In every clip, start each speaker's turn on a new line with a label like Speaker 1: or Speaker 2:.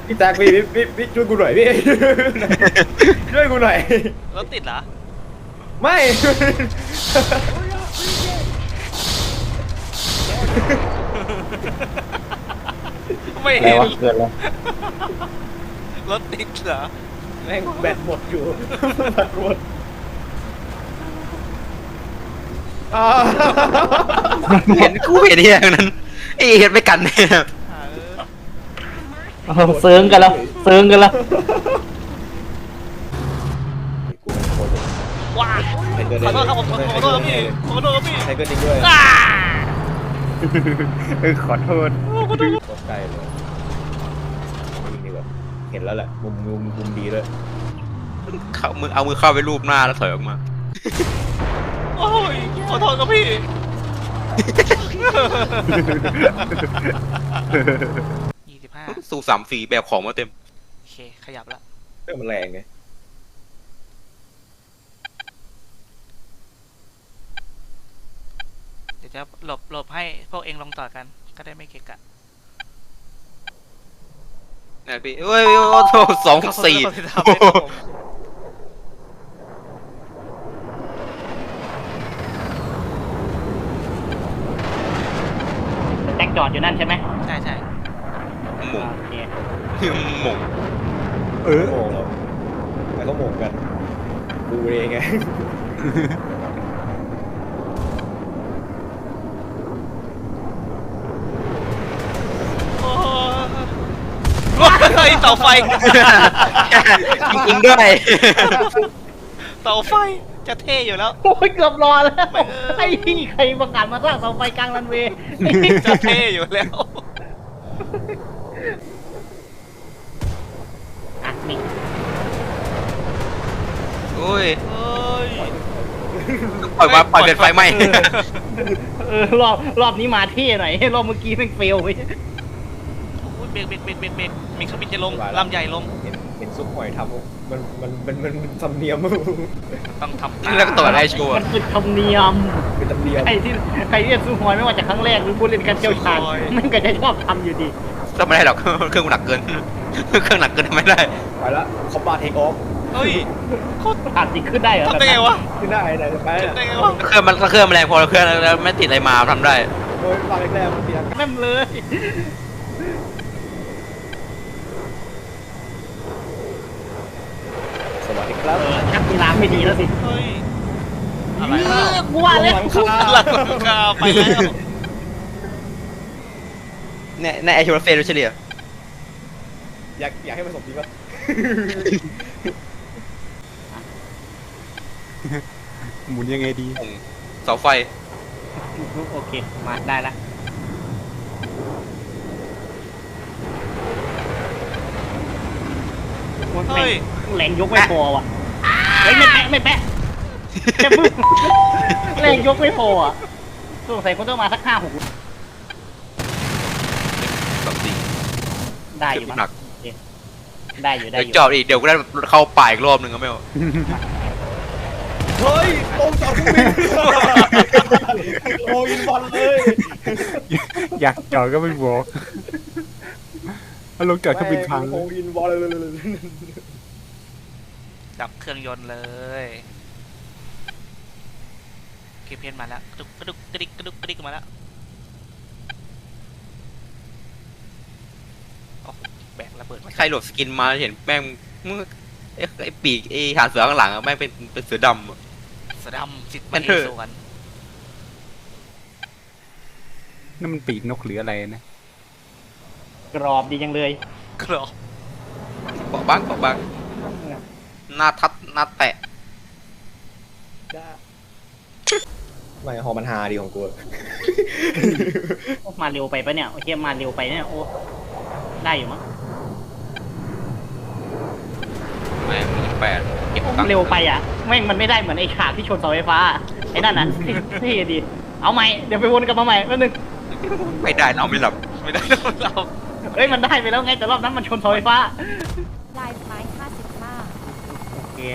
Speaker 1: พี่แจ็คพี่ช่วยกูหน่อยพี่ช่วยกูหน่อย
Speaker 2: รถติดเหรอ
Speaker 1: ไม่
Speaker 2: ไม่
Speaker 3: อะไร
Speaker 2: เห็น
Speaker 3: วะเกิดแล้ว
Speaker 2: รถติดเหรอ
Speaker 1: แม่งแบตหมดอยู่แบตหมดอ่า
Speaker 4: เห็นกูเห็นที่นั้นไอ้เห็นไม่กันเนี่ย
Speaker 3: เซิร์งกันแล้วเซิร์งกันแล้ว
Speaker 2: ว้าขอโทษครับผมขอโทษครับพี่ขอโทษครับพี่
Speaker 1: ใช้ก็จริงด้วย
Speaker 2: อ่า
Speaker 3: ขอโทษ
Speaker 1: โคตรไกลเลยวิ่งดีกว่าเห็นแล้วแหละมุมดีด้วย
Speaker 4: เข้ามือเอามือเข้าไปรูปหน้าแล้วถอยออกมา
Speaker 2: โอ้ยขอโทษครับพี่ 25
Speaker 4: สู่3-4แบบของมาเต็ม
Speaker 2: โอเคขยับละ
Speaker 1: เครื่องมันแรงไง
Speaker 2: เดี๋ยวจะหลบให้พวกเองลงต่อกันก็ได้ไม่เกะกะ
Speaker 4: เนี่ยพี่เฮ้ยโอ้โห2-4
Speaker 2: ขอโทษที่ทำให้ครับผม
Speaker 3: แจ็คจอดอยู่นั่นใช่ไหม
Speaker 2: ใช่ใช่
Speaker 4: หม่ง
Speaker 3: โอเค
Speaker 4: หม่ง
Speaker 1: โมงแล้วแล้วก็โมงกันกูเองไง
Speaker 2: โอ้ยเสาไฟ
Speaker 4: จริงๆด้วย
Speaker 2: เสาไฟจะเท่อยู่แล้ว
Speaker 3: โอ้ยเกือบรอแล้ว
Speaker 2: ไม่
Speaker 3: ไอ้พี่ใครประกาศมาสร้างเสาไฟกลางรันเวย์
Speaker 2: จะเท่อยู่แล้ว
Speaker 3: อ่ะนี่
Speaker 4: โอ้ย
Speaker 2: เฮ้ย
Speaker 4: ปล่อยเป็นไฟไหม้
Speaker 3: รอบนี้มาเท่หน่อยรอบเมื่อกี้แม่งเฟลไป
Speaker 2: โอ้ยเบรกมีเครื่องบินจะลงลำใหญ่ลง
Speaker 1: เห็นซุปหอยทำมันทำเนียม
Speaker 2: ต้องทำ
Speaker 4: แล้วก็ตัวจได้ชัวร์
Speaker 3: มันคือธรรมเนียม
Speaker 1: เป็นธรรมเนียม
Speaker 3: ใครที่จะซื้อหอยไม่ว่าจะครั้งแรกหรือผู้เล่นการเชี่ยวชาญมันก็จะชอบทำอยู่ดี
Speaker 4: ก็ไม่ได้หรอกเครื่องหนักเกินเครื่องหนักเกินไม่ได้
Speaker 1: ไปละคอมบาเทคออฟ
Speaker 2: เฮ้ยโคตร
Speaker 3: ผ่านจริงขึ้นได้เหรอ
Speaker 2: ทำได้ไงวะ
Speaker 1: ขึ้นได้ไหนจะไป
Speaker 2: ทำได้ไงวะ
Speaker 4: เครื่องมันแรงพอเครื่องแล้วไม่ติดอะไรมาทำได้
Speaker 1: โดยตอนแรกๆมันเสียง
Speaker 3: แม่มเลย
Speaker 1: สวัสดีครับ
Speaker 3: ชักกีฬาไม่ดีแล้วสิ
Speaker 2: เฮ้ยอะไร
Speaker 3: กูว่าแล้ว
Speaker 1: หลังคา
Speaker 2: หลังคาไปแล้ว
Speaker 4: ในไอชูรเฟรเฉลี่ย
Speaker 1: อยากให้มันสมจริงปะ
Speaker 5: หมุนยังไงดี
Speaker 4: เสาไฟ
Speaker 3: โอเคมาได้ละแรงยกไม่พอว่ะเฮ้ยไม่แปะแค่พึ่งแรงยกไม่พออ่ะสงสัยเขาต้องมาสัก5-6
Speaker 4: 2-4
Speaker 3: ได้อยู่มั้ง
Speaker 4: หนัก
Speaker 3: ได้อยู่ได้
Speaker 4: เดี๋ยว
Speaker 3: อยู่
Speaker 4: จอดอีกเดี๋ยวกูได้เข้าป่าอีกรอบหนึ่งก็ไม่เอา
Speaker 1: เฮ้ยตรงจอดเครื่องบินโอ้อินบอลเลย
Speaker 5: อยากจอดก็ไม่บอกแล้วลงจอดเครื่องบินพัง
Speaker 1: โอ้อินบอลเลย
Speaker 2: ดับเครื่องยนต์เลยเคเพนมาแล้วกระดุกกระดิกมาแล้วโอ้แบกระเบิดมา
Speaker 4: ใครโหลดสกินมาเห็นแม่งไอ้ปีกไอ้ฐานเสือข้างหลังอะแม่งเป็นเสือดำอะ
Speaker 2: สะดำสิทธิ์
Speaker 4: มัน
Speaker 2: มา
Speaker 4: เถ
Speaker 2: เอ
Speaker 4: อะ
Speaker 2: สวน
Speaker 5: นั่นมันปีกนกหรืออะไรนะ
Speaker 3: กรอบดีจังเลย
Speaker 2: กรอบ
Speaker 4: เกาะบ้างหน้าแตะ
Speaker 1: ไม่ฮอมันฮาดีของกู
Speaker 3: มาเร็วไปปะเนี่ยโอเคมาเร็วไปเนี่ยโอ้ได้อยู่มั้ง
Speaker 4: แม่งมี8เก็บตังค์
Speaker 3: เร็วไปอ่ะแม่งมันไม่ได้เหมือนไอ้ฉากที่ชนเสาไฟฟ้าไอ้นั่นน่ะที่ดีเอาใหม่เดี๋ยวไปวนกลับมาใหม่แป๊บนึง
Speaker 4: ไม่ได้เราไม่หลับ
Speaker 2: ไม่ได้เรา
Speaker 3: เอ้ยมันได้ไปแล้วไงแต่รอบนั้นมันชนเสาไฟฟ้า
Speaker 6: ลายไม้55
Speaker 3: โอเค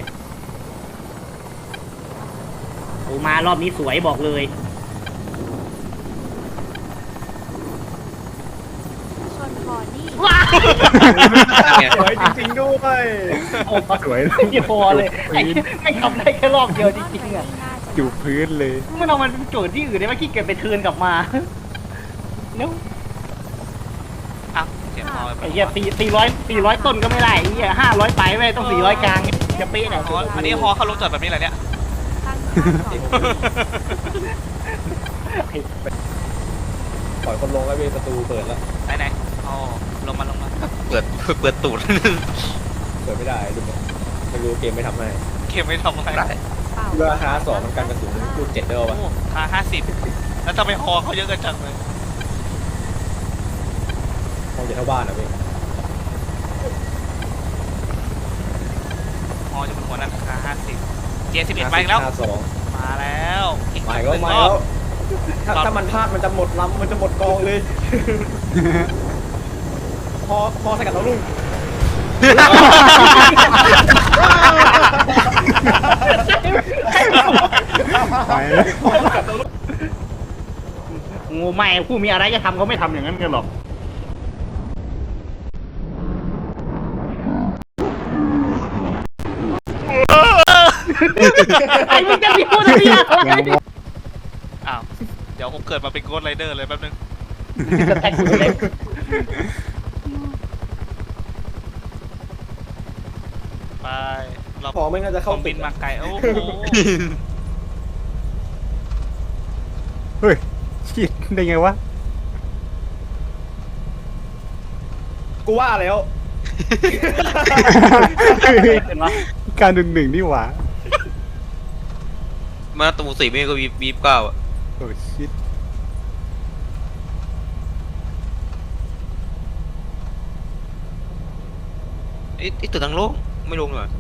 Speaker 3: โอ้มารอบนี้สวยบอกเลย
Speaker 6: ชนคอนี่
Speaker 3: ว้า
Speaker 1: สวยจริงๆด้วย
Speaker 3: โอ้สวยไม่พอเลยไอ้ไม่ทำได้แค่รอบเดียวจริงๆอ่ะ
Speaker 5: อยู่พื้นเลย
Speaker 3: มันเอามันโจทย์ที่อื่นได้ไหมขี้เกียจไปเทิร์นกลับมาแล้ว
Speaker 2: อ้าวเสียงฮอ
Speaker 3: ไอ้เหี้ย400ต้นก็ไม่ได้ไอ้เหี้ย500ไปไม่ต้อง400กลางจะเป๊ะหน่อย
Speaker 2: อ๋ออันนี้ฮอเขาลงจอดแบบนี้แหละเนี่ย
Speaker 6: ตั้งค่าก่อน
Speaker 1: ปล่อยคนลงแล้วเว้ยประตูเปิดแล้ว
Speaker 2: ไหนอ๋อลงมา
Speaker 4: เปิดตูด
Speaker 1: เปิดไม่ได้ดูมั้ยไม่รู้เกมไม่ทำให้
Speaker 2: เข็มไม่ทำอะไร
Speaker 4: ได้
Speaker 6: เป่า
Speaker 1: เรือฮาสองมันกันกระสุนลูก7ได้ป่ะ
Speaker 2: โอ้ค่า50แล้วทำไมฮอเขาเยอะกันจังเลย
Speaker 1: คงจะเท่าบ้านนะเว้ย
Speaker 2: ฮอจะเป็นหัวหน้าค่า50 J11 มาอีกแล้ว
Speaker 1: ฮาสอง
Speaker 2: มาแล้วอีก
Speaker 1: มา
Speaker 2: ห
Speaker 1: อีก
Speaker 2: นึ่ง
Speaker 1: แล้วมาร
Speaker 2: อ
Speaker 1: แล้
Speaker 2: บ
Speaker 1: วถ้ามันพลาดมันจะหมดลำมันจะหมดกองเลย พอใส่กับน้องลุง
Speaker 5: ไปแล้ว
Speaker 3: งูไม่ผู้มีอะไรจะทำเขาไม่ทำอย่างนั้นกันหรอกไอ้มึงจะมีพูดอะไรอะไร
Speaker 2: อ้าวเดี๋ยวผมเกิดมาเป็นโกดไรเดอร์เลยแป๊บนึง
Speaker 3: จะแท็กกูเลย
Speaker 2: ไปเรา
Speaker 1: พอไม่น่าจะ
Speaker 2: เค
Speaker 1: เข้า
Speaker 2: รื่อง
Speaker 1: ปิ
Speaker 2: บิ
Speaker 1: ด
Speaker 2: นมาไกลโอ้โห
Speaker 5: เฮ้ยชิดได้ไงวะ
Speaker 1: กูว่าแล้ว
Speaker 3: เป็นวะ
Speaker 5: การหนึ่งนี่หว่า
Speaker 4: มาตู4ไม่ก็บีบ9อ่ะ
Speaker 5: โอ้ชิด
Speaker 4: ไอ้ตัวทางโลกไม่ลงเหรอ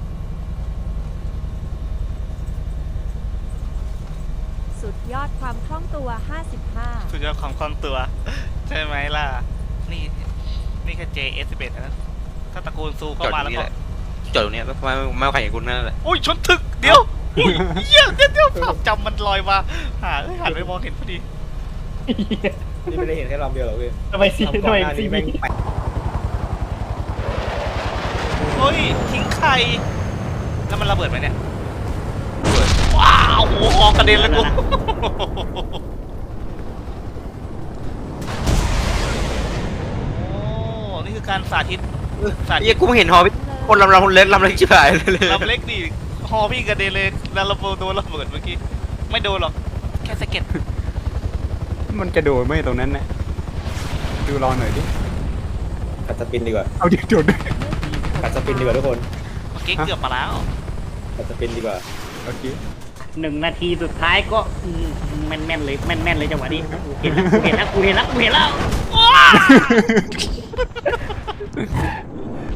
Speaker 6: สุดยอดความคล่องตัว 55
Speaker 2: สุดยอดความคล่องตัว ใช่ไหมล่ะ นี่แค่ JS11 นะถ้าตระกูลซู
Speaker 4: จ
Speaker 2: เข้า
Speaker 4: อด
Speaker 2: มา
Speaker 4: ตร
Speaker 2: แล้ว
Speaker 4: งนี้
Speaker 2: ก็
Speaker 4: แหละจอดตรงนี้ไม่เอาใครเห็นคุณนั่นแหละ
Speaker 2: โอ้ยชนถึกเดี๋ยวอุ้ยเหี้ยเดี๋ยวภาพจำมันลอยมาหันไปมองเห็นพอดี
Speaker 1: นี่ไม่ได้เห็นแค่ลำเดียวหรอกเว้ย
Speaker 3: ทำไมซี
Speaker 1: ลำ
Speaker 3: ทำ
Speaker 1: ก่อน
Speaker 3: ไม
Speaker 1: หน้า
Speaker 3: ซี
Speaker 1: นี้
Speaker 3: มี
Speaker 1: แม่งแปะ
Speaker 2: เฮ้ยทิ้งไข่แล้วมันระเบิดไหมเนี่ยว้าวโอ้โหกระเด็นเลยกูโอ้นี่คือการสาธิตสาธิ
Speaker 4: เฮ้ย
Speaker 2: ต
Speaker 4: กูไม่เห็นฮอพี่คนลำเล็กชิบหายเลย
Speaker 2: ลำเล็กดิฮอพี่กระเด็นเลยแล้วระเบิดโดนระเบิดเมื่อกี้ไม่โดนหรอกแค่สะเก็ด
Speaker 5: มันกระโดดไม่ตรงนั้นนะดูรอหน่อยดิ
Speaker 1: กัดสปินดีกว่า
Speaker 5: เอาเดี๋ยวโดดด้วย
Speaker 1: กัดสปินดีกว่าทุกคน
Speaker 2: เมื่อกี้เกือบมาแล้ว
Speaker 1: กัดสปินดีกว่า
Speaker 5: โอเค
Speaker 3: 1 นาทีสุดท้ายก็แม่นๆเลยแม่นๆเลยจังหวะนี้เห็นแล้วกูเห็นแล้วว้า